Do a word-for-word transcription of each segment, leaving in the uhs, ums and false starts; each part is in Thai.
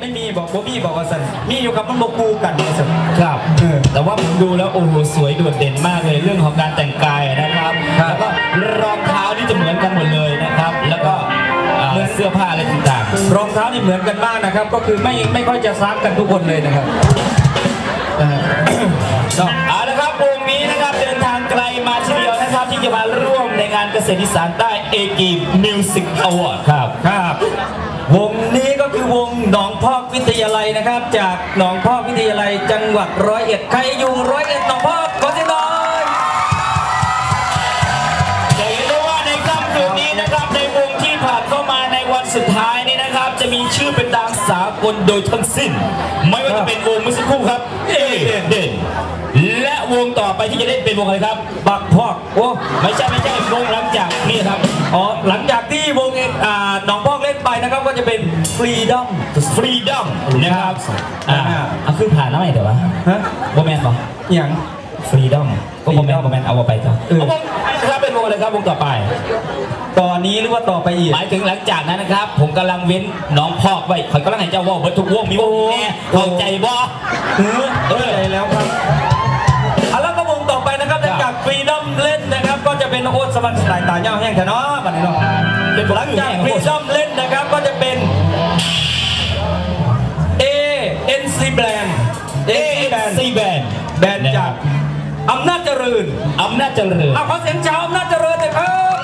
ไม่มีบอกว่ามีบอกว่าสันมีอยู่กับมันบอกกูกันเนี่ยสันครับแต่ว่าผมดูแล้วโอ้โหสวยโดดเด่นมากเลยเรื่องของการแต่งกายนะครับแล้วก็รองเท้านี่จะเหมือนกันหมดเลยนะครับแล้วก็เหมือนเสื้อผ้าอะไรต่างๆรองเท้านี่เหมือนกันมากนะครับก็คือไม่ไม่ค่อยจะซ้ำกันทุกคนเลยนะครับเอาละครับวงนี้นะครับเดินทางไกลมาทีเดียวนะครับที่จะมาร่วมในงานเกษตรอีสานใต้เอกีมิวสิกอวอร์ดครับครับวงนี้ก็คือวงหนองพอกวิทยาลัยนะครับจากหนองพอกวิทยาลัยจังหวัดร้อยเอ็ดใครอยู่ร้อยเอ็ดหนองพอกขอเสียงหน่อยจะเห็นได้ว่าในค่ำคืนนี้นะครับในวงที่ผ่านเข้ามาในวันสุดท้ายนี้นะครับจะมีชื่อเป็นตามสากลโดยทั้งสิ้นไม่ว่าจะเป็นวงเมื่อสักครู่ครับเอเด่นและวงต่อไปที่จะเล่นเป็นวงอะไรครับบักพอกโอ้ไม่ใช่ไม่ใช่วงหลังจากนี่ครับอ๋อหลังจากที่วงอ่าหนองพอกเล่นไปนะครับก็จะเป็น Freedom Freedom นะครับอ่าเอาขึ้นผ่านแล้วไหมเดี๋ยววะฮะโมเมนต์ป่ะอย่าง Freedom ก็โมเมนต์โมเมนต์เอาไปจ้ะวงครับเป็นวงอะไรครับวงต่อไปตอนนี้หรือว่าต่อไปอีกหมายถึงหลังจากนั้นนะครับผมกำลังเว้นน้องพอกไว้คอยกำลังให้เจ้าว่าวัตถุวงมีวงแน่เข้าใจบ่เออเข้าใจแล้วครับแล้วก็วงต่อไปนะครับจากฟรีดอมเล่นนะครับก็จะเป็นโอ๊ตสวรรค์สายตาเงาแห้งแถวเนาะบัดนี้เนาะเป็นหลังจากฟรีดอมเล่นนะครับก็จะเป็น เอ เอ็น ซี Band เอ เอ็น ซี Band แบนด์จากอำนาจเจริญอำนาจเจริญขอเสียงชาวอำนาจเจริญเลยครับ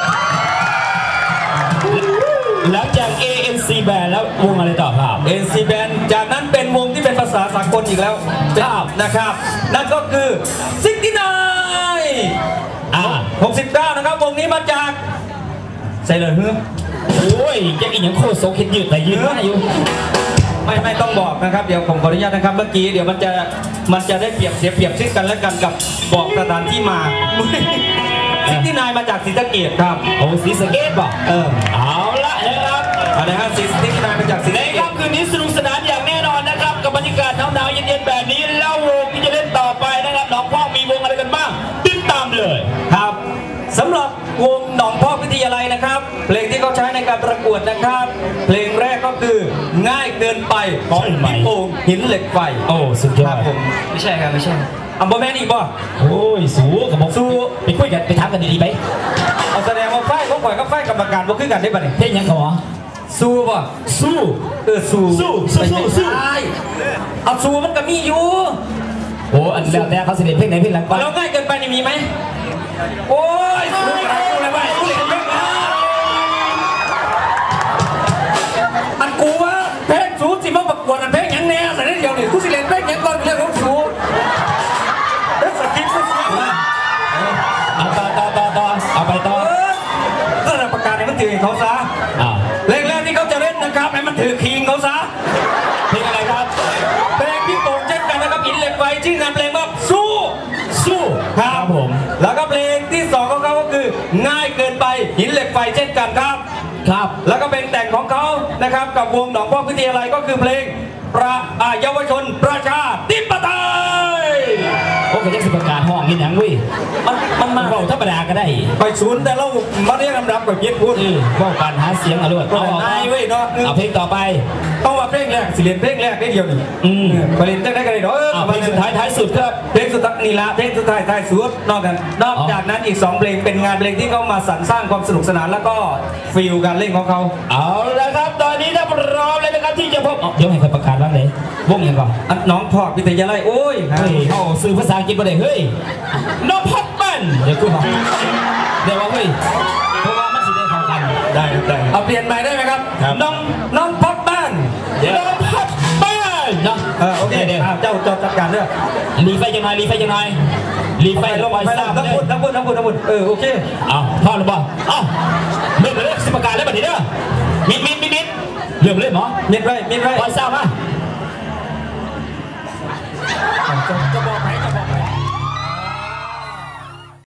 หลังจาก เอ เอ็น ซี Band แล้ววงอะไรต่อครับเอ็น ซี Band จากนั้นเป็นวงที่เป็นภาษาสากลอีกแล้วครับนะครับนั่นก็คือซิกตี้ไนอ่าหกสิบเก้านะครับวงนี้มาจากใส่เลยเฮ้ยโอ้ยยังอีกอย่างโคตรโซคิดยืดแต่ยืดไม่อยู่ไม่ไม่ต้องบอกนะครับเดี๋ยวผมขออนุญาตนะครับเมื่อกี้เดี๋ยวมันจะมันจะได้เปรียบเสียเปรียบซึ่งกันและกันกับบอกสถานที่มาซิกตี้ไนมาจากศรีสะเกษครับโอ้ศรีสะเกษป่ะเออเอาละนะครับเอาละครับซิกตี้ไนมาจากศรีสะเกษในค่ำคืนนี้สนุกสนานอย่างแน่นอนนะครับกับบรรยากาศหนาวๆเย็นๆแบบนี้แล้ววงที่จะเล่นต่อไปนะครับหนองพอกมีวงอะไรกันบ้างติดตามเลยครับสำหรับวงหนองพอกวิทยาลัยนะครับเพลงที่เขาใช้ในการประกวดนะครับเพลงแรกก็คือง่ายเกินไปของพี่โป่งหินเหล็กไฟโอ้สุดยอดผมไม่ใช่ครับไม่ใช่อัมบอแมนอีกป่ะโอ้ยสู้กับผมสู้ไปคุยกันไปถามกันดีๆไปเอาแสดงว่าไฟเขาปล่อยก็ไฟกรรมการว่าขึ้นกันได้ป่ะเนี่ยเพลงยังเขาหรอสู้ป่ะสู้เออสู้สู้สู้สู้เอาสู้มันก็มีอยู่โอ้อันแล้วแต่เขาเสด็จเพลงไหนเพลงหลังไปแล้วง่ายเกินไปนี่มีไหมโอ้ยสู้อะไรสู้อะไรไปสู้เล่นเพลงอันกูว่าเพลงสู้สิมาประกวดอันเพลงยังแน่แต่นี่เดียวนี่กูสิเล่นเพลงยังก่อนเรื่องของสู้เฮ้ยสกิปก็สู้เอาต่อต่อต่อต่อเอาไปต่อก็ระประกาศให้มันถือเขาซะเพลงแรกที่เขาจะเล่นนะครับให้มันถือคิงเขาซะเพลงอะไรครับเพลงพี่โป่งเช่นกันนะครับหินเหล็กไฟชื่องานเพลงว่าสู้สู้ครับผมแล้วก็เพลงที่สองของเขาก็คือง่ายเกินไปหินเหล็กไฟเช่นกันครับครับแล้วก็เพลงแต่งของเขานะครับกับวงหนองพอกวิทยาลัยก็คือเพลงประเยาวชนประชาธิปไตยโอ้ยจะสิประกาศห้องกินหนังวิมันมันมาเบาธรรมดาก็ได้ไปศูนย์แต่เรามาเรียกลำดับแบบเย็ดพูดเบาการหาเสียงอรวดเอาไอ้เว้ยเนาะเอาเพลงต่อไปต้องว่าเพลงแรกสิเรียนเพลงแรกได้เดียวนี่อืมไปเรียนได้กันเลยเนาะเพลงสุดท้ายท้ายสุดครับเพลงสุดท้ายนี่ละเพลงสุดท้ายท้ายสุดนอกกันนอกจากนั้นอีกสองเพลงเป็นงานเพลงที่เขามาสรรสร้างความสนุกสนานแล้วก็ฟีลการเล่นของเขาเอาละครับตอนนี้ถ้าพร้อมเลยนะครับที่จะพบเดี๋ยวให้ใครประกาศบ้างเลยวงยังก่อนน้องพอกวิทยาลัยโอ้ยเฮ้ยเขาสื่อภาษาอังกฤษมาเลยเฮ้ยน้องพอกบ้านเดี๋ยวกูบอกเดี๋ยวว่าเฮ้ยเพราะว่ามันสิได้เข้ากันได้ได้เอาเปลี่ยนใหม่ได้ไหมครับน้องน้องพอกบ้านน้องพอกบ้านเนาะเออโอเคเดี๋ยวเจ้าเจ้าจัดการเรื่องรีไฟยังไงรีไฟยังไงรีไฟลงไปซ้ำทั้งหมดทั้งหมดทั้งหมดทั้งหมดเออโอเคเอาพ่อหรือเปล่าเอ้าเริ่มเลยสิประกาศแล้วแบบนี้เด้อมิดมิดมิดมิดเริ่มเลยหมอมิดไรมิดไรปล่อยซ้ำมาจะบอกไหมจะบอกไหม